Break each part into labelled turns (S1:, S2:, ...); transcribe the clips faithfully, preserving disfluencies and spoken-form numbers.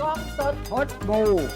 S1: กล้องสด
S2: พดบู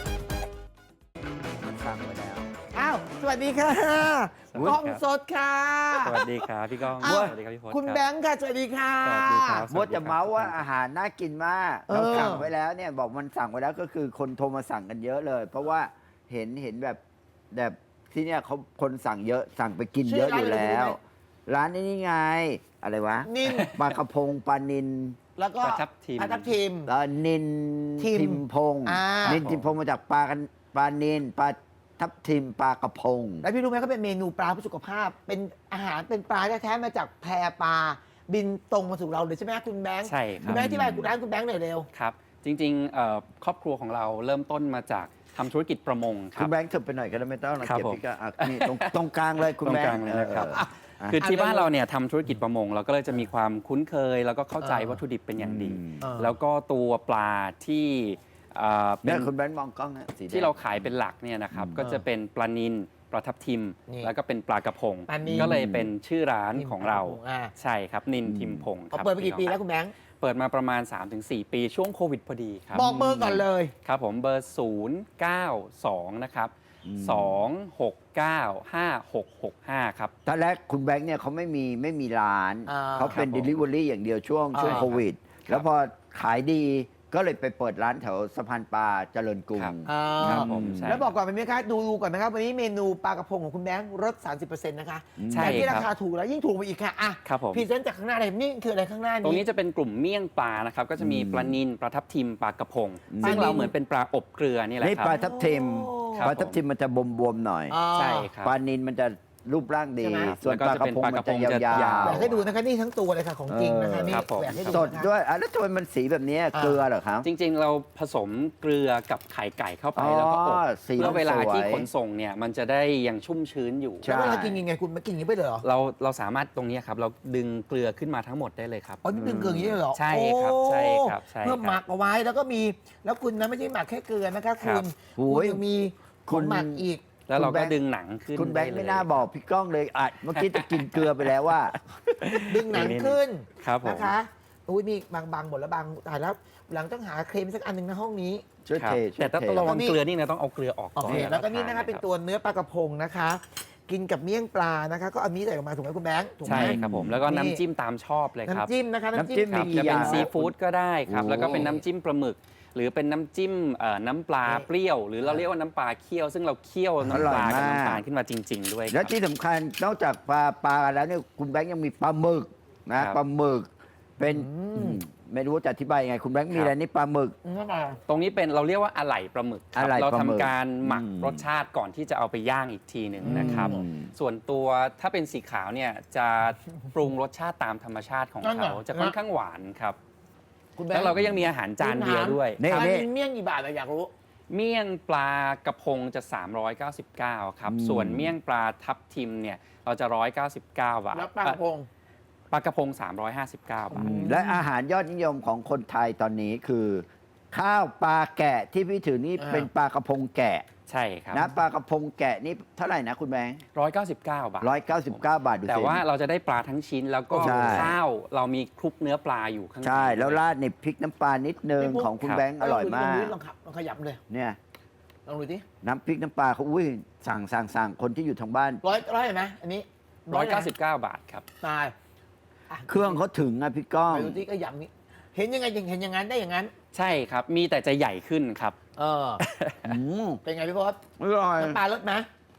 S2: มันฟังไว้แล้ว
S1: อ้าว สวัสดีค่ะ
S3: สวัสดีครับ
S1: กล้องสดค่ะ
S3: สวัสดีครับพี่ก้อง
S1: อ้าว
S3: สวัสดีครับพี่พจน์
S1: คุณ
S3: รับ
S1: แบงค์ค่ะ สวัสดีค่ะ
S3: สวัสดีครับ
S2: มดจะเมาส์ว่าอาหารน่ากินมาก
S1: เออ
S2: เราสั่งไว้แล้วเนี่ยบอกมันสั่งไว้แล้วก็คือคนโทรมาสั่งกันเยอะเลย เพราะว่าเห็นเห็นแบบแบบที่เนี่ยเขาคนสั่งเยอะสั่งไปกินเยอะอยู่แล้ว ร้านนี้นี่ไง อะไรวะ
S1: นิ่ม
S2: ปลากระพงปลานิน
S1: แล้วก็
S3: ปลาทับทิม
S1: ปลาทับทิม
S2: เอ่อนิน
S1: ทิม
S2: มพง
S1: อ่านิ
S2: นินทิมพงมาจากปลากันปลานินปลาทับทิมปลากระพง
S1: แล้วพี่รู้ไหมเขาเป็นเมนูปลาเพื่อสุขภาพ เป็นอาหารเป็นปลาแท้ๆมาจากแพปลาบินตรงมาสู่เราเลยใช่ไหมคุณแบงค์
S3: ใช่ค
S1: คุ
S3: รั
S1: ณ
S3: บ
S1: แบงค์ที่บายคุณร้านคุณแบงค์หน่อยเร็ว
S3: ครับ จริงๆเอ่อครอบครัวของเราเริ่มต้นมาจากทำธุรกิจประมงค
S2: คุ
S3: รั
S2: ณ
S3: บ
S2: แบงค์เถิบไปหน่อยก็ได้ไม่ต้องนะครับ เก็บ
S3: ผม
S2: พี่ก็อ่ะนี่ตรงตรงกลางเลยคุณ
S3: ตรง
S2: แบง
S3: กลาง
S2: ค์
S3: เลยนะครับ
S2: เออ
S3: คือที่
S1: อ่ะ
S3: บ้านเราเนี่ยทำธุรกิจประมงเราก็เลยจะมีความคุ้นเคย แล้วก็เข้าใจ
S1: เออ
S3: วัตถุดิบเป็นอย่างดี
S2: อืม
S1: เออ
S3: แล้วก็ตัวปลาที่เอ่อเป็
S2: เนี่ย
S3: น
S2: คุณแบงค์มองกล้องนะสีแดง
S3: ที่เราขายเป็นหลักเนี่ยนะครับ
S2: อืม
S3: ก็จะเป็นปลานิลปลาทับทิม
S1: นี่
S3: แล้วก็เป็นปลากระพง
S1: ปลานิล
S3: ก็เลยเป็นชื่อร้านของเรา
S1: อ่า
S3: ใช่ครับนินทิมพงค
S1: เอา
S3: รับ
S1: เปิดไปกี่ปี
S3: พี่
S1: แล้
S3: น้อง
S1: วคุณแบงค์
S3: เปิดมาประมาณ สามถึงสี่ ปีช่วงโควิดพอดีครับ
S1: บอกเบอร์ก่อนเลย
S3: ครับผมเบอร์ ศูนย์ เก้า สอง นะครับ
S2: อืม
S3: สอง หก เก้า ห้า หก หก ห้า ครับ
S2: ตอนแรกคุณแบงค์เนี่ยเขาไม่มีไม่มีร้าน
S1: อ่า
S2: เขาเป็น
S3: ครับผม
S2: Delivery อย่างเดียวช่วง
S1: อ่า
S2: ช่วงโควิด
S3: ครับ
S2: แล้วพอขายดีก็เลยไปเปิดร้านแถวสะพานปลาเจริญกรุง
S3: ครับ
S1: อ่า
S3: ครับผมใช่
S1: แล้วบอกก่อนเป็นไหมคะดูดูก่อนนะครับ วันนี้เมนูปลากระพงของคุณแบงค์ลด สามสิบเปอร์เซ็นต์ นะคะ
S2: อืม
S3: ใช่
S1: แต่ที่
S3: ค
S1: รา
S3: รับ
S1: คาถูกแล้วยิ่งถูกไปอีกค่ะอ่ะ
S3: ครับผม
S1: พรีเซนต์จากข้างหน้าเลยนี่คืออะไรข้างหน้า
S3: ตรง
S1: นี้
S3: นี้จะเป็นกลุ่มเมี่ยงปลานะครับ ก็จะมี
S2: อืม
S3: ปลานิลปลาทับทิมปลากระพง
S2: อืม
S3: ซึ่ง
S1: ปลานิล
S3: เราเหมือนเป็นปลาอบเกลือนี่แหละ
S2: นี่
S3: ครั
S2: ปลา
S3: บ
S2: ทับทิม
S1: โอ้
S3: ครับ
S2: ปลาทับทิมมันจะบวมๆหน่อย
S1: อ่า
S3: ใช่ครับ
S2: ปลานินมันจะรูปร่างดี
S1: ใช่ไหม
S2: ส่วน
S3: แล้ว
S2: ป
S3: ก็
S2: ลากระพง
S3: จะเป็น
S2: มัน
S3: ปลากระพ
S2: จะ
S3: ง
S2: ย
S3: จะ
S2: าย
S3: าว ว
S1: อยากให้ดูนะคะนี่ทั้งตัวเลยค่ะของจริงนะคะนี่
S3: ครับผม
S1: อยากให้ดู
S2: ๆ สด
S1: นะคะ
S2: ด้วยอ่ะแล้วทำไมมันสีแบบนี้เกลือเหรอครับ
S3: จริงๆ เราผสมเกลือกับไข่ไก่เข้าไป
S2: อ๋อ
S3: แล้วก็อบ
S2: สี
S3: เพื่อเวลา
S2: มันสวย
S3: ที่ขนส่งเนี่ยมันจะได้ยังชุ่มชื้นอยู่
S2: ใช่
S1: แล้วเวลากินยังไงคุณมากินอย่างนี้ไปเลยเหรอ
S3: เราเราสามารถตรงนี้ครับเราดึงเกลือขึ้นมาทั้งหมดได้เลยครับ
S1: อ๋อนี่ดึงเกลืออย่างนี้เลยเหรอ
S3: ใช่ครับ
S1: โอ้
S3: ใช่ครับใช่ครับ
S1: เพื่อหมักเอาไว้แล้วก็มีแล้วคุณนะไม่ใช่หมักแค่เกลือนะคะ
S3: ครั
S1: คุ
S3: บ
S1: ณ
S2: โอ้
S1: คุณ
S2: ย
S1: ยังมีข
S2: คุ
S1: อง
S2: ณ
S1: หมักอีก
S3: แล้วเรา
S2: คุณแบ
S3: ก็
S2: งค์
S3: ดึงหนังขึ้น
S2: คุณแบงค์
S3: ด้
S2: ไม่
S3: เลย
S2: น่าบอกพี่ก้องเลยอ่ะเมื่อกี้จะกินเกลือไปแล้วว่า
S1: ดึงหนังขึ้น
S3: ครับผม
S1: นะคะอุ้ยนี่บางบางหมดแล้วบางตายแล้วหลังต้องหาเครมสักอันหนึ่งในห้องนี้
S2: ช่วย
S3: ครับ
S2: เทช่วย
S3: แต่ต้อง
S2: เท
S3: ระวัง
S1: แล้วก็นี่
S3: เกลือนี่นะต้องเอาเกลือออก
S1: โอ
S3: ก่อน
S1: เคแล้วก็นี่นะคะ
S3: ทา
S1: เป็นตัวเนื้อปลากระพงนะคะ กินกับเมี่ยงปลานะคะ ก็เอานี้ใส่ออกมาถูกไหมคุณแบงค์ถูกไหม
S3: ใช่ครับผมแล้วก็
S1: นี่
S3: น้ำจิ้มตามชอบเลยครับ
S1: น้ำจิ้มนะคะ
S2: น้ำจิ้ม
S3: ครับ
S2: มีกี่
S3: จะเป็น
S2: อย่าง
S3: ซีฟู้ดก็ได้ครับ
S2: โอ้
S3: แล้วก็เป็นน้ำจิ้มปลาหมึก หรือเป็นน้ำจิ้มเอ่อน้ำปลา
S1: นี่
S3: เปรี้ยว หรือเราเรียกว่าน้ำปลาเคี่ยว ซึ่งเราเคี่ยวน้ำปลากับน้ำตาลขึ้นมาจริง ๆ ด้วยค
S2: แล้
S3: รั
S2: ว
S3: บ
S2: ที่สำคัญนอกจากปลาปลาแล้วเนี่ยคุณแบงค์ยังมีปลาหมึกนะครับ ปลาหมึกเป็น
S1: อืม
S2: อืมไม่รู้จะอธิบายยังไง คุณแบงค์มี
S3: ครับ
S2: อะไรนี่ปลาหมึก
S1: อืมมา
S3: ตรงนี้เป็นเราเรียกว่าอะไหล่ปลาหมึกครับ
S2: อะไหล่
S3: เรา
S2: ปลาหมึก
S3: ทำการหมัก
S2: อืม
S3: รสชาติก่อนที่จะเอาไปย่างอีกทีหนึ่งนะครับ
S2: อืม
S3: ส่วนตัวถ้าเป็นสีขาวเนี่ยจะปรุงรสชาติตามธรรมชาติของ
S1: นั่น
S3: เขา
S1: น่ะ
S3: จะค่อนข้างหวานครับ
S1: คุณแบง
S3: แล้ว
S1: ค์
S3: เราก็ยังมีอาหารจานเดียวด้วย
S2: นี่
S1: อัน
S2: นี่
S1: นี้เมี่ยงกี่บาทอะอยากรู้
S3: เมี่ยงปลากระพงจะ สามร้อยเก้าสิบเก้า ครับ
S2: อืม
S3: ส่วนเมี่ยงปลาทับทิมเนี่ยเราจะ หนึ่งร้อยเก้าสิบเก้า บาท
S1: แล้วปลากระพง
S3: ปลากระพง สามร้อยห้าสิบเก้า บาท
S2: และอาหารยอดนิยมของคนไทยตอนนี้คือ ข้าวปลาแกะที่พี่ถือนี่
S1: อ่า
S2: เป็นปลากระพงแกะ
S3: ใช่ครับ
S2: นะปลากระพงแกะนี่เท่าไหร่นะคุณแบงค์
S3: หนึ่งร้อยเก้าสิบเก้า บาท
S2: ร้อยเก้าสิบเก้าบาทดูสิ
S3: แต่ว่าเราจะได้ปลาทั้งชิ้นแล้วก็
S2: ใช่
S3: ข้าวเรามีคลุกเนื้อปลาอยู่ข้างใน
S2: ใช่แล้ว
S3: ด้วย
S2: ราดในพริกน้ำปลานิดนึง
S1: พี่ปุ๊ก
S2: ของคุณ
S3: ครับ
S2: แบงค์อร่อยมาก
S1: ลองขับลองขยับเลย
S2: เนี่ย
S1: ลองดูดิ
S2: น้ำพริกน้ำปลาเขาอุ้ยสั่งสั่งสั่งคนที่อยู่ทางบ้าน
S1: ร้อยร้อยเห็นไหมอันนี้
S3: หนึ่งร้อยเก้าสิบเก้า บาทครับ
S1: ตายะ
S2: เครื่องเขาถึงอะพี่ก้อง
S1: ไปดูที่ก็อย่างนี้ เห็นยังไงยังเห็นอย่างนั้นได้อย่างนั้น
S3: ใช่ครับ มีแต่จะใหญ่ขึ้นครับ
S1: เออ
S2: อืม
S1: เป็นไงพี่พศ
S2: อร่อย
S1: น้ำปลาลดไหม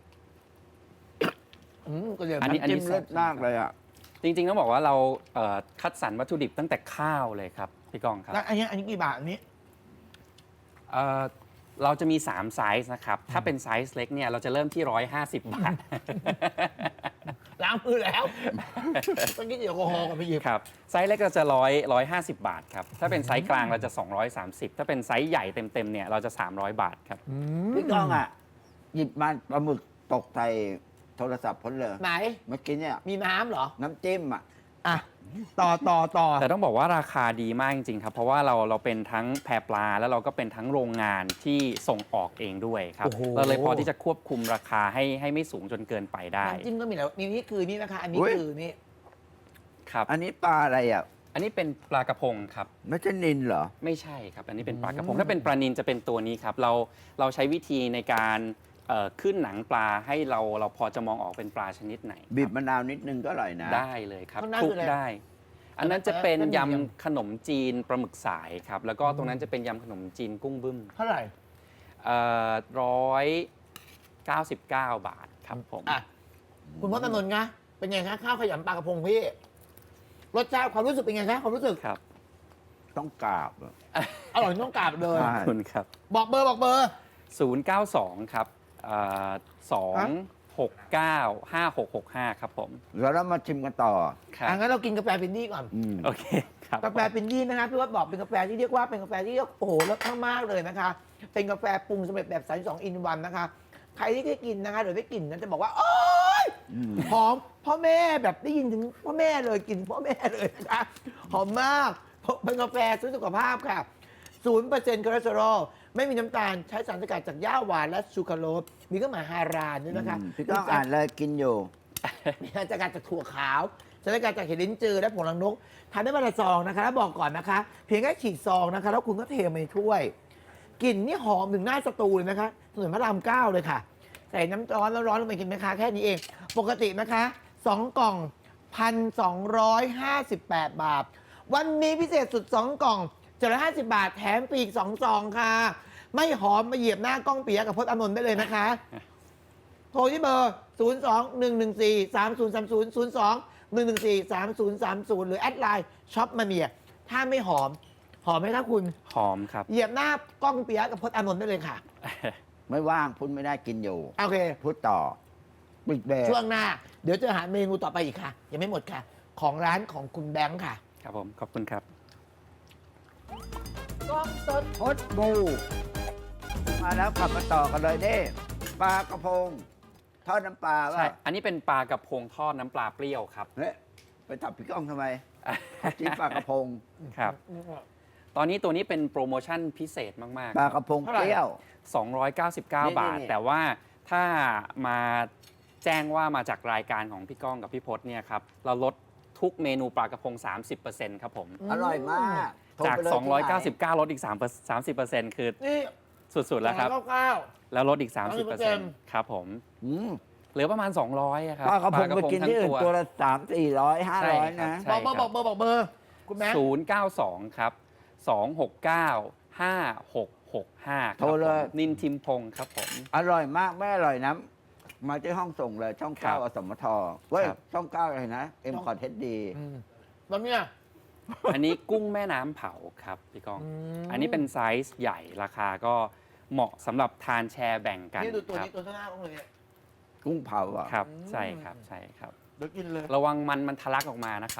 S1: อืมก็เดี๋ยว
S3: อันนี้
S2: น้ำจิ้มเลิศมากเลยอ่ะ
S3: จริงๆต้องบอกว่าเราเอ่อคัดสรรวัตถุดิบตั้งแต่ข้าวเลยครับพี่กองครับ
S1: แล้วอันนี้อันนี้กี่บาทอันนี้
S3: เอ่อเราจะมี สาม ไซส์นะครับ ถ้าเป็นไซส์เล็กเนี่ยเราจะเริ่มที่ หนึ่งร้อยห้าสิบ บาท
S1: ล้างมือแล้วต้องกินแอลกอฮอล์กับพี่หยิบ
S3: ครับ ไซส์เล็กเราจะร้อยร้อยห้าสิบบาทครับ ถ้าเป็นไซส์กลางเราจะ สองร้อยสามสิบ ถ้าเป็นไซส์ใหญ่เต็มๆเนี่ยเราจะ สามร้อย บาทครับ
S2: พี่ก้องอ่ะ หยิบมาปลาหมึกตกใส่โทรศัพท์พ้นเลย
S1: ไหน
S2: เมื่อกี้เนี่ย
S1: มีน้ำเหรอ
S2: น้ำจิ้มอ่ะ
S1: อ่ะ ต่อต่อต่อ
S3: แต่ต้องบอกว่าราคาดีมากจริงๆครับ เพราะว่าเราเราเป็นทั้งแพปลาแล้วเราก็เป็นทั้งโรงงานที่ส่งออกเองด้วยครับ
S1: โอ้โห
S3: เราเลยพอที่จะควบคุมราคาให้ให้ไม่สูงจนเกินไปได้
S1: น้ำจิ้มก็มีแล้วนี่นี่คือนี่นะคะ อันนี้
S2: อุ๊ย
S1: คือนี่
S3: ครับ
S2: อันนี้ปลาอะไรอ่ะ
S3: อันนี้เป็นปลากระพงครับ
S2: ไม่ใช่นินเหรอ
S3: ไม่ใช่ครับ อันนี้เป็นปลากระพง ถ้าเป็นปลานิลจะเป็นตัวนี้ครับ เราเราใช้วิธีในการเอ่อขึ้นหนังปลาให้เราเราพอจะมองออกเป็นปลาชนิดไหนครับ
S2: บีบมะนาวนิดนึงก็อร่อยนะ
S3: ได้เลยครับ
S1: ข้างหน้า
S3: คลุ
S1: คื
S3: ก
S1: ออะไร
S3: ได้ อันนั้นจะเป็น
S1: เส้นหมี่ยำ
S3: ยำขนมจีนปลาหมึกสายครับ แล้วก็ตรงนั้นจะเป็นยำขนมจีนกุ้งบึ้ม
S1: เท่าไหร่
S3: ร้อยเก้าสิบเก้าบาทครับผม
S1: อ่ะคุณพจน์อานนท์คะเป็นไงคะข้าวขยำปลากระพงพี่รสชาติความรู้สึกเป็นไงคะความรู้สึก
S3: ครับ
S2: ต้องกราบอะ
S1: อร่อยต้องกราบเลย
S2: ใช่
S3: ขอบคุณครับ
S1: บอกเบอร์บอกเบอร์
S3: ศูนย์ เก้า สอง ครับสอง หก เก้า ห้า หก หก ห้า ครับผม
S2: แล้วเรามาชิมกันต่อ
S3: ครับ
S1: อ่ะงั้นเรากินกาแฟพินดี้ก่อน
S2: อืม
S3: โอเคครับ
S1: กาแฟพินดี้นะคะพี่ว่าบอกเป็นกาแฟที่เรียกว่าเป็นกาแฟที่เรียกโอ้โหรสมากๆเลยนะคะ เป็นกาแฟปรุงสำเร็จแบบสามสองอินวันนะคะ ใครที่ได้กินนะคะหรือได้กลิ่นนั้นจะบอกว่าโอ๊ย
S2: อืม
S1: หอมพ่อแม่แบบได้ยินถึงพ่อแม่เลยกลินพ่อแม่เลยนะคะหอมมากเป็นกาแฟซื้อสุขภาพค่ะศูนย์เปอร์เซ็นต์คอเลสเตอรอลไม่มีน้ำตาลใช้สารสกัดจากหญ้าหวานและชูคาโรสมีเครื่องหมายฮารานด้วยนะคะ
S2: อืมพี่ต้องอ่านเลยกินอยู่
S1: มีสารสกัดจากถั่วขาวสารสกัดจากเห็ดลิ้นจือและผงลังนกทานได้วันละซองนะคะแล้วบอกก่อนนะคะ เพียงแค่ฉีดซองนะคะ แล้วคุณก็เทมาในถ้วยกลิ่นนี่หอมถึงหน้าสตูเลยนะคะถนนพระรามเก้าเลยค่ะ ใส่น้ำร้อนแล้วร้อนลงไปกินไหมคะแค่นี้เอง ปกตินะคะสองกล่อง พันสองร้อยห้าสิบแปด บาท วันนี้พิเศษสุด สอง กล่องเจ็ดร้อยห้าสิบบาท แถมฟรีอีกสองซองค่ะ ไม่หอมมาเหยียบหน้ากล้องเปียกกับพจน์อานนท์ได้เลยนะคะ โทรที่เบอร์ ศูนย์ สอง หนึ่ง หนึ่ง สี่ สาม ศูนย์ สาม ศูนย์ ศูนย์ สอง หนึ่ง หนึ่ง สี่ สาม ศูนย์ สาม ศูนย์ หรือแอดไลน์ช็อปมาเมียถ้าไม่หอม หอมไหมคะคุณ
S3: หอมครับ
S1: เหยียบหน้ากล้องเปียกกับพจน์อานนท์ได้เลยค่ะ
S2: ไม่ว่างพูดไม่ได้กินอยู่
S1: โอเค
S2: พูดต่อปิดเบรก
S1: ช่วงหน้า เดี๋ยวจะหาเมนูต่อไปอีกค่ะ ยังไม่หมดค่ะ ของร้านของคุณแบงค์ค่ะ
S3: ครับผม ขอบคุณครับ
S1: กล้องสด
S2: พดบูมาแล้วขับมาต่อกันเลยเด้ปลากระพงทอดน้ำปลา
S3: ใช่
S2: ว่า
S3: อันนี้เป็นปลากระพงทอดน้ำปลาเปรี้ยวครับ
S2: เฮ้ยไปจับพี่ก้องทำไมจิ้มปลากระพง
S3: ครับ ตอนนี้ตัวนี้เป็นโปรโมชั่นพิเศษมาก
S2: ปลากระพงเปรี้ยว
S3: ๆ สองร้อยเก้าสิบเก้า
S2: นี่
S3: บาท
S2: นี่
S3: แต่ว่าถ้ามาแจ้งว่ามาจากรายการของพี่ก้องกับพี่พศเนี่ยครับ เราลดทุกเมนูปลากระพง สามสิบเปอร์เซ็นต์ ครับผม
S2: อร่อยมากโทร
S3: จาก
S2: ไปเลย
S3: สองร้อยเก้าสิบ
S2: ที่ไหน
S3: เก้า ลดอีก3 สามสิบเปอร์เซ็นต์ คือ
S1: นี่
S3: สุด ๆ แล้วครับ
S1: สองร้อยเก้าสิบเก้า
S3: แล้วลดอีก 30เปอร์เซ็นต์ ครับผม
S2: อืม
S3: เหลือประมาณ สองร้อยอะครับ
S2: ปลากระพงไปกินที่อื่นตัวละสามสี่ร้อยห้า
S3: ใช่
S2: ร้อย
S3: ครับ
S2: นะ
S3: ใช่
S1: บอกเบอร์บอกเบอร์บอกเบอร์ คุณแบงค์
S3: ศูนย์ เก้า สอง ครับ สอง หก เก้า ห้า หก หก ห้า
S2: โทรเลย
S3: นินทิมพงศ์ครับผม
S2: อร่อยมากไม่อร่อยนะมาที่ห้องส่งเลยช่องเก้า
S3: ครับ
S2: อสมทเว้ย
S3: ครับ
S2: ช่องเก้าอะไรนะเอ็ม
S1: ช่อง
S2: คอร์เทสดี
S1: อืมแล้วเนี่ย
S3: อันนี้กุ้งแม่น้ำเผาครับพี่ก้อง
S1: อืม
S3: อันนี้เป็นไซส์ใหญ่ราคาก็เหมาะสำหรับทานแชร์แบ่งกัน
S1: นี่ดูตัว
S3: ครับ
S1: นี้ตัวข้างหน้าต้องเลยเนี่ย
S2: กุ้งเผาอ่ะ
S3: ครับ
S1: อืม
S3: ใช่ครับใช่ครับ
S1: เดี๋ยวกินเลย
S3: ระวังมันมันทะลักออกมานะครับ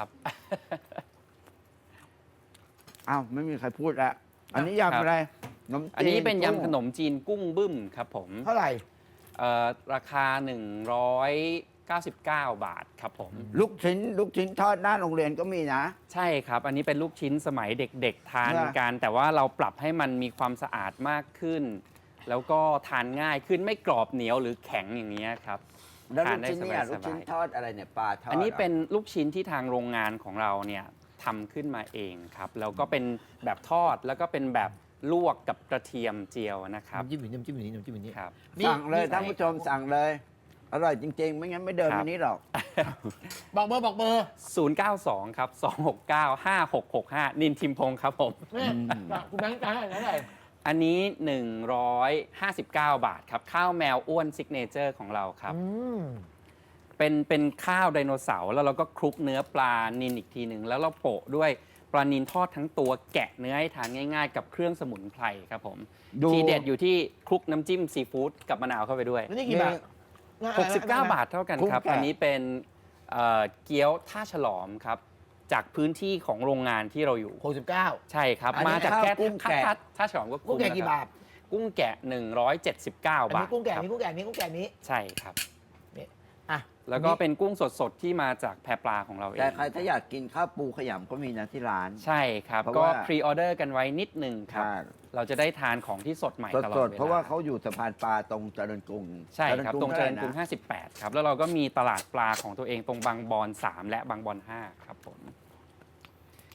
S2: อ้าวไม่มีใครพูดแล้วอันนี้
S3: ครับ
S2: ยำอะไรขนมจี
S3: อันนี้เป็น
S2: กุ้ง
S3: ยำขนมจีนกุ้งบึ้มครับผม
S1: เท่าไหร่
S3: เอ่อราคา หนึ่งร้อยเก้าสิบเก้า บาทครับผม
S2: ลูกชิ้น ลูกชิ้นทอดหน้าโรงเรียนก็มีนะ
S3: ใช่ครับ อันนี้เป็นลูกชิ้นสมัยเด็กๆ ทาน
S2: นะ
S3: กัน แต่ว่าเราปรับให้มันมีความสะอาดมากขึ้น แล้วก็ทานง่ายขึ้นไม่กรอบเหนียวหรือแข็งอย่างนี้ยครับ
S2: แล้ว
S3: ทา
S2: ลู
S3: น
S2: ก
S3: ได้
S2: ชิ้นเนี่ย
S3: สบายๆ
S2: ลูกชิ้นทอดอะไรเนี่ยปลาทอด
S3: อันนี้
S2: หร
S3: เป็นลูกชิ้นที่ทางโรงงานของเราเนี่ยทำขึ้นมาเองครับ แล้วก็เป็นแบบทอดแล้วก็เป็นแบบลวกกับกระเทียมเจียวนะครับ
S1: น้ำจิ้มอยู่นี่น้ำจิ้มอยู่นี่น้ำจิ้มอยู่นี่
S3: ครับ
S2: สั่งเลย
S1: นี่
S2: ท่านผู้ชมสั่งเลย อร่อยจริง ๆ ไม่งั้นไม่เดิน
S3: ครับ
S2: มานี้หรอก
S1: บอกเบอร์บอกเบอร์
S3: ศูนย์ เก้า สอง ครับ สอง หก เก้า ห้า หก หก ห้า นินทิมพงศ์ครับผม
S1: นี่
S2: อืม
S1: คุณแบงค์จ่ายเท่าไหร่
S3: อันนี้ หนึ่งร้อยห้าสิบเก้า บาทครับ ข้าวแมวอ้วนซิกเนเจอร์ของเราครับ
S1: อืม
S3: เป็นเป็นข้าวไดโนเสาร์แล้วเราก็คลุกเนื้อปลานินอีกทีหนึ่งแล้วเราโปะด้วยปลานินทอดทั้งตัวแกะเนื้อให้ทานง่ายๆ กับเครื่องสมุนไพรครับผม
S2: ดู
S3: ทีเด็ดอยู่ที่คลุกน้ำจิ้มซีฟู้ดกับมะนาวเข้าไปด้วย
S1: แล้วนี่กี่บาทง่ย
S3: หกสิบเก้า บาทเท่ากันครับ
S2: กุ้งแกะ
S3: อันนี้เป็นเอ่อเกี๊ยวท่าฉลอมครับ จากพื้นที่ของโรงงานที่เราอยู่
S1: หกสิบเก้า
S3: ใช่ครับ
S2: อันนี้
S3: มาจากแค่
S2: ข้าวกุ้งแกะ
S3: ท่าท่าฉลอมก็
S1: กุ้งแกะกี่
S3: นะครับ
S1: บาท
S3: กุ้งแกะ หนึ่งร้อยเจ็ดสิบเก้า
S1: อัน
S3: บา
S1: นี้
S3: ท
S1: กุ้งแกะ
S3: ครับ
S1: นี้กุ้งแกะนี้กุ้งแกะนี้
S3: ใช่ครับ
S1: อ่ะ
S3: แล้วก็เป็นกุ้งสดๆ ที่มาจากแพปลาของเราเอง
S2: แต่ใครถ้าอยากกินข้าวปูขยำก็มีนะที่ร้าน
S3: ใช่ครับ
S2: เพราะ
S3: ก็
S2: ว่า
S3: พรีออเดอร์กันไว้นิดหนึ่งครับ
S2: ใช่
S3: เราจะได้ทานของที่สดใหม่ตลอด
S2: ส
S3: เว
S2: ด
S3: ลา
S2: ๆเพราะว่าเขาอยู่สะพานปลาตรงเจริญกรุง
S3: ใช่ครับ ตรงเจริญกรุง
S2: ท่าไหนะ
S3: ห้าสิบแปดครับ แล้วเราก็มีตลาดปลาของตัวเองตรงบางบอนสามและบางบอนห้าครับผม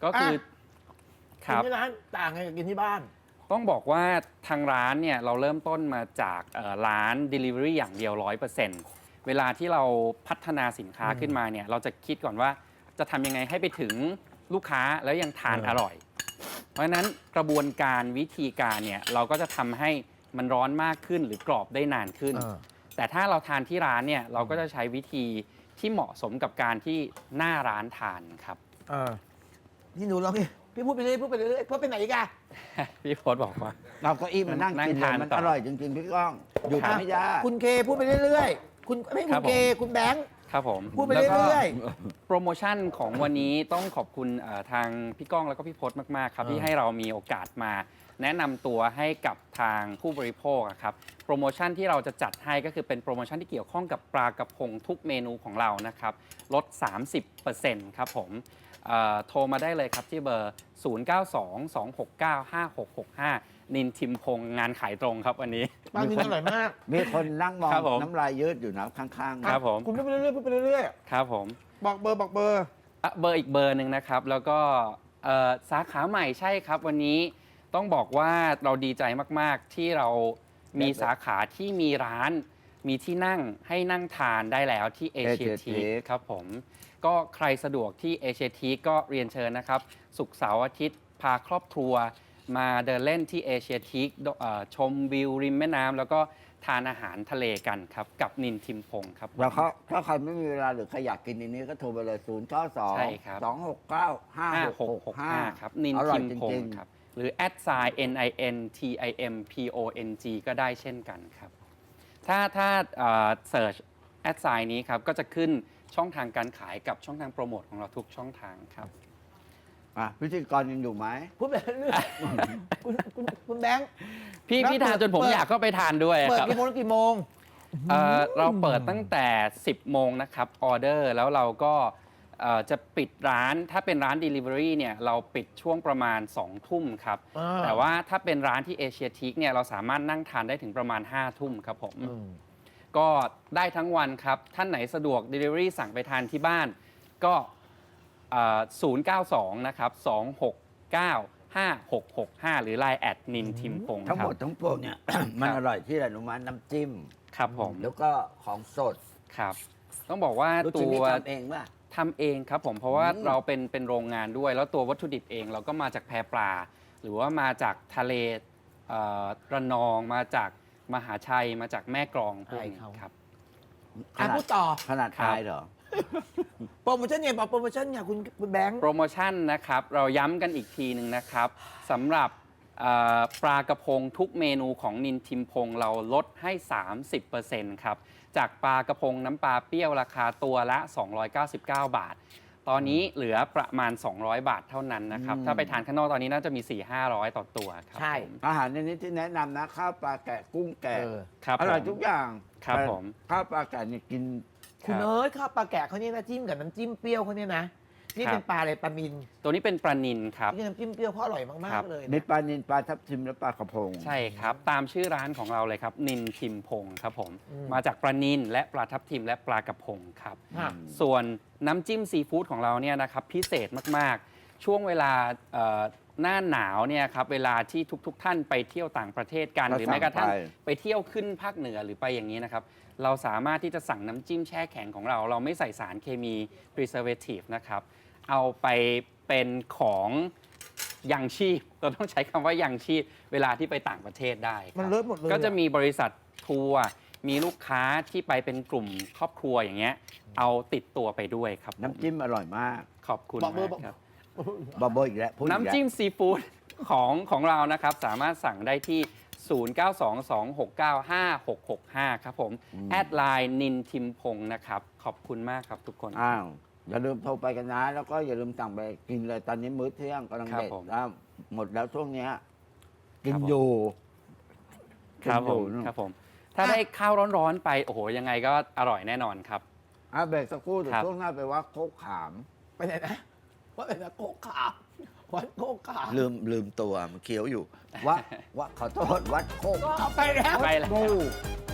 S3: ก็คือ
S1: อ่ะ
S3: ค
S1: กิน
S3: รับ
S1: ที่ร้านต่างไงกับกินที่บ้าน
S3: ต้องบอกว่าทางร้านเนี่ยเราเริ่มต้นมาจากเอ่อร้าน Delivery อย่างเดียว ร้อยเปอร์เซ็นต์ เวลาที่เราพัฒนาสินค้า
S1: อืม
S3: ขึ้นมาเนี่ยเราจะคิดก่อนว่าจะทำยังไงให้ไปถึงลูกค้าแล้วยังทาน
S1: เออ
S3: อร่อย เพราะฉะนั้นกระบวนการวิธีการเนี่ยเราก็จะทำให้มันร้อนมากขึ้นหรือกรอบได้นานขึ้น
S1: เออ
S3: แต่ถ้าเราทานที่ร้านเนี่ยเราก็จะใช้วิธีที่เหมาะสมกับการที่หน้าร้านทานครับ
S1: เออนี่หนูลองพี่พี่พูดไปเรื่อยพูดไปเรื่อยพูดไปไหนอีกอะ
S3: พี่โพสบอกว่า
S2: เราก็อิ่มมานั่ง
S3: นั่ง
S2: กินเล
S3: ทาย น
S2: มัน
S3: ต่อ
S2: อร่อยจริงๆพี่ก้องหยุด
S3: ครับ
S2: ไม่ได้
S1: คุณเคพูดไปเรื่อยๆคุณไม่
S3: ค
S1: คุ
S3: รั
S1: ณ
S3: บผม
S1: เคคุณแบงค์
S3: ครับผม
S1: พูดไป
S3: แล้วก็
S1: เรื่อย
S3: โปรโมชั่นของวันนี้ต้องขอบคุณเอ่อทางพี่ก้องแล้วก็พี่พศมาก ๆ ครับ
S1: เออ
S3: ที่ให้เรามีโอกาสมา แนะนำตัวให้กับทางผู้บริโภคอะครับโปรโมชั่นที่เราจะจัดให้ก็คือเป็นโปรโมชั่นที่เกี่ยวข้องกับปลากระพงทุกเมนูของเรานะครับลด สามสิบเปอร์เซ็นต์ ครับผมเอ่อโทรมาได้เลยครับที่เบอร์ ศูนย์ เก้า สอง สอง หก เก้า ห้า หก หก ห้า นินทิมพงษ์งานขายตรงครับวันนี้
S1: ๆบางทีอร่อยมาก
S2: มีคนนั่งมอง
S3: ครับผม
S2: น้ำลายยืดอยู่นะข้างๆ
S3: ครับผม
S1: คุณพูดไปเรื่อยๆพูดไปเรื่อย
S3: ครับผม
S1: ๆบอกเบอร์บอกเบอร์
S3: อ่ะเบอร์อีกเบอร์หนึ่งนะครับ แล้วก็เอ่อสาขาใหม่ใช่ครับ วันนี้ต้องบอกว่าเราดีใจมาก ๆ ที่เรามีสาขาที่มีร้านมีที่นั่งให้นั่งทานได้แล้วที่เอเชีย
S2: Asia
S3: ที
S2: Teak
S3: ครับผมก็ใครสะดวกที่เอเชียทีก็เรียนเชิญนะครับ ศุกร์เสาร์อาทิตย์พาครอบครัวมาเดินเล่นที่เอเชียทีชมวิวริมแม่น้ำแล้วก็ทานอาหารทะเลกันครับ กับนินทิมพงศ์ครับ
S2: แล้วเขาถ้าใครไม่มีเวลาหรือใครอยากกินอันนี้ก็โทรไปเลย ศูนย์ เก้า สอง
S3: ใช่ครับ
S2: สอง หก เก้า ห้า
S3: ห้า
S2: ห
S3: ห
S2: ก
S3: ก
S2: ห
S3: ห
S2: ก
S3: ก
S2: ห้า
S3: ห้าครับนิน
S2: อร่อ
S3: ทิ
S2: ย
S3: ม
S2: จ
S3: พง
S2: ริง
S3: ศ์
S2: ๆ
S3: ครับ หรือ แอท ไซน์ เอ็น ไอ เอ็น ที ไอ เอ็ม พี โอ เอ็น จี ก็ได้เช่นกันครับ ถ้าถ้าเสิร์ช แอท ไซน์ นี้ครับ ก็จะขึ้นช่องทางการขายกับช่องทางโปรโมทของเราทุกช่องทางครับ
S2: อ่ะพิธีกรยังอยู่ไหม
S1: พูดไปเรื่อยๆคุณคุณคุณแบงค์
S3: พี่
S1: แล้ว
S3: พี่ทานจนผม
S1: เปิด
S3: อยากเข้าไปทานด้วย
S1: เปิด
S3: ครับ
S1: กี่โมงถึงกี่โมง
S3: เอ่อเราเปิดตั้งแต่ สิบ โมงนะครับออเดอร์แล้วเราก็เอ่อจะปิดร้านถ้าเป็นร้าน Delivery เนี่ยเราปิดช่วงประมาณ สอง ทุ่มครับ
S1: อ่า
S3: แต่ว่าถ้าเป็นร้านที่เอเชียทีกเนี่ยเราสามารถนั่งทานได้ถึงประมาณ ห้า ทุ่มครับผม
S1: อืม
S3: ก็ได้ทั้งวันครับ ท่านไหนสะดวก Delivery สั่งไปทานที่บ้าน ก็เอ่อศูนย์ เก้า สอง นะครับ สอง หก เก้า ห้า หก หก ห้า หรือ ไลน์ แอดนินทิมพงศ์
S2: ทั้ง
S3: ค
S2: ห
S3: รั
S2: ม
S3: บ
S2: ดทั้งปวงเนี่ย มันอร่อยที่อะไรรู้ไหมน้ำจิ้ม
S3: ครับผม
S2: แล้วก็ของสด
S3: ครับ ต้องบอกว่า
S2: รู้
S3: ตั
S2: สึกนี่
S3: ว
S2: ทำเองป่ะ
S3: ทำเองครับผมเพราะว่า
S2: อืม
S3: เราเป็นเป็นโรงงานด้วย แล้วตัววัตถุดิบเองเราก็มาจากแพปลา หรือว่ามาจากทะเลเอ่อระนองมาจากมหาชัยมาจากแม่กลองพวกนี้
S1: ใช่เขา
S3: ครับ
S2: ข
S1: อ่ะ
S2: นาด
S1: พูดต่อ
S2: ขนาด
S3: ครับ
S2: ตายเหรอ
S1: โปรโมชั่นเนี่ยบอกโปรโมชั่นเนี่ยคุณคุณแบงค์
S3: โปรโมชั่นนะครับ เราย้ำกันอีกทีหนึ่งนะครับสำหรับเอ่อปลากระพงทุกเมนูของนินทิมพงศ์เราลดให้ สามสิบเปอร์เซ็นต์ ครับ จากปลากระพงน้ำปลาเปรี้ยวราคาตัวละ สองร้อยเก้าสิบเก้า บาท ตอนนี้เหลือประมาณ สองร้อย บาทเท่านั้นนะครับ
S2: อืม
S3: ถ้าไปทานข้างนอกตอนนี้น่าจะมี สี่ห้าร้อย ต่อตัวครับ
S1: ใช่
S3: ผม
S2: อาหารในนี้ที่แนะนำนะข้าวปลาแกะกุ้งแกะ
S1: เออ
S3: ครับ
S2: อร่อย
S3: ผม
S2: ทุกอย่าง
S3: ครับ
S2: แต่
S3: ผม
S2: ข้าวปลาแกะนี่กิน
S1: คุณเอ้ยข้าวปลาแกะเขาเนี่ยนะจิ้มกับน้ำจิ้มเปรี้ยวเขาเนี่ยนะ นี่
S3: ครับ
S1: เป็นปลาอะไรปลานิน
S3: ตัวนี้เป็นปลานินครับ
S1: นี่น้ำจิ้มเปรี้ยวเขาอร่อยมา
S3: ครั
S1: ก
S3: บ
S1: ๆเลย
S2: มี
S1: นะ
S2: ปลานินปลาทับทิมและปลากระพง
S3: ใช่ครับ ตามชื่อร้านของเราเลยครับ นินทิมพงศ์ครับผม
S1: อืม
S3: มาจากปลานินและปลาทับทิมและปลากระพงครับ
S1: ค่ะ
S3: ส่วนน้ำจิ้มซีฟู้ดของเราเนี่ยนะครับพิเศษมากๆ ช่วงเวลาเอ่อหน้าหนาวเนี่ยครับเวลาที่ทุกๆทท่านไปเที่ยวต่างประเทศกัน
S2: ก็
S3: หรือแม้กระทั่ง
S2: สั่งไป
S3: ไปเที่ยวขึ้นภาคเหนือหรือไปอย่างนี้นะครับ เราสามารถที่จะสั่งน้ำจิ้มแช่แข็งของเรา เราไม่ใส่สารเคมี preservative นะครับ เอาไปเป็นของยังชีพเราต้องใช้คำว่ายังชีพเวลาที่ไปต่างประเทศได้ครับ
S1: มันเลิศหมดเลย
S3: ก็จะ
S1: อ
S3: มีบริษัททัวร์มีลูกค้าที่ไปเป็นกลุ่มครอบครัวอย่างเงี้ยเอาติดตัวไปด้วยครับผม
S2: น้ำจิ้มอร่อยมาก
S3: ขอบคุณ
S1: บอกเบอ
S3: มา
S1: ร์
S3: ก
S1: บอก
S3: ครับ
S2: บอโบอีกแล้วพูดอีกแล้ว
S3: น้ำจิ้มซีฟู้ดของของเรานะครับ สามารถสั่งได้ที่ ศูนย์ เก้า สอง สอง หก เก้า ห้า หก หก ห้า ครับผม แอดไลน์นินทิมพงศ์นะครับ ขอบคุณมากครับทุกคน
S2: อ้าวอย่าลืมโทรไปกันนะ แล้วก็อย่าลืมสั่งไปกินเลยตอนนี้มื้อเที่ยงกำลัง
S3: ครับ
S2: เด็ด
S3: ผม
S2: แล้วหมดแล้วช่วงเนี้ยกิน
S3: ครับผม
S2: อยู่
S3: ครับ
S2: กิน
S3: ผ
S2: อยู่
S3: ม
S2: นู่น
S3: ครับผม ถ้าได้ข้าวร้อนๆไป โอ้โห ยังไงก็อร่อยแน่นอนครับ
S2: อ่ะเบรกสักครู่เดี๋ยว
S3: ครับ
S2: ช่วงหน้าไปว่าโคกขาม
S1: ไปไหนนะว่าเป็นโคกขาววัดโคกขาว
S2: ลืมลืมตัวมันเคี้ยวอยู่ ว่าว่าขอโทษวัดโคก
S1: ก็เอาไปแล้ว
S3: ไปแล้ว
S2: งู